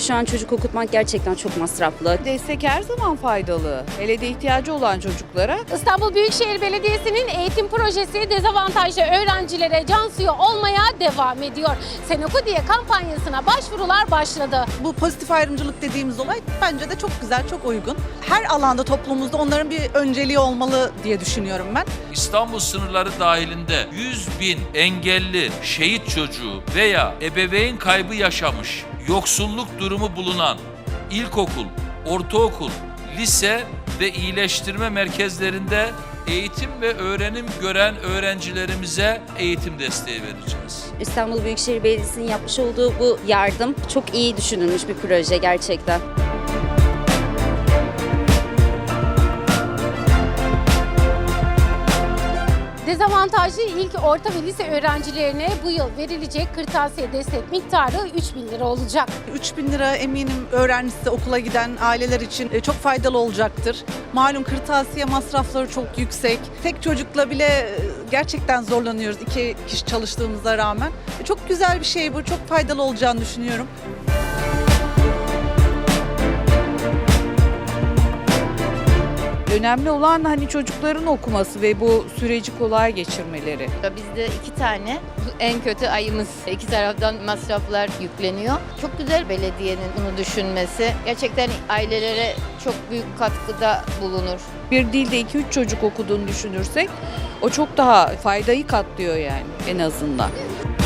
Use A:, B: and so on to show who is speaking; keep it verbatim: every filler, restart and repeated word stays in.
A: şu an çocuk okutmak gerçekten çok masraflı.
B: Destek her zaman faydalı. Hele de ihtiyacı olan çocuklara.
C: İstanbul Büyükşehir Belediyesi'nin eğitim projesi dezavantajlı öğrencilere can suyu olmaya devam ediyor. Sen Oku diye kampanyasına başvurular başladı.
D: Bu pozitif ayrımcılık dediğimiz olay bence de çok güzel, çok uygun. Her alanda toplumumuzda onların bir önceliği olmalı diye düşünüyorum ben.
E: İstanbul sınırları dahilinde yüz bin engelli şehit çocuğu veya ebeveyn kaybı yaşamış, yoksulluk durumu bulunan ilkokul, ortaokul, lise ve iyileştirme merkezlerinde eğitim ve öğrenim gören öğrencilerimize eğitim desteği vereceğiz.
A: İstanbul Büyükşehir Belediyesi'nin yapmış olduğu bu yardım çok iyi düşünülmüş bir proje gerçekten.
C: Dezavantajlı ilk, orta ve lise öğrencilerine bu yıl verilecek kırtasiye destek miktarı üç bin lira olacak.
D: üç bin lira eminim öğrencisi, okula giden aileler için çok faydalı olacaktır. Malum kırtasiye masrafları çok yüksek. Tek çocukla bile gerçekten zorlanıyoruz iki kişi çalıştığımıza rağmen. Çok güzel bir şey bu, çok faydalı olacağını düşünüyorum.
B: Önemli olan hani çocukların okuması ve bu süreci kolay geçirmeleri.
F: Bizde iki tane en kötü ayımız. İki taraftan masraflar yükleniyor. Çok güzel belediyenin bunu düşünmesi. Gerçekten ailelere çok büyük katkıda bulunur.
B: Bir dilde iki üç çocuk okuduğunu düşünürsek o çok daha faydayı katlıyor yani en azından.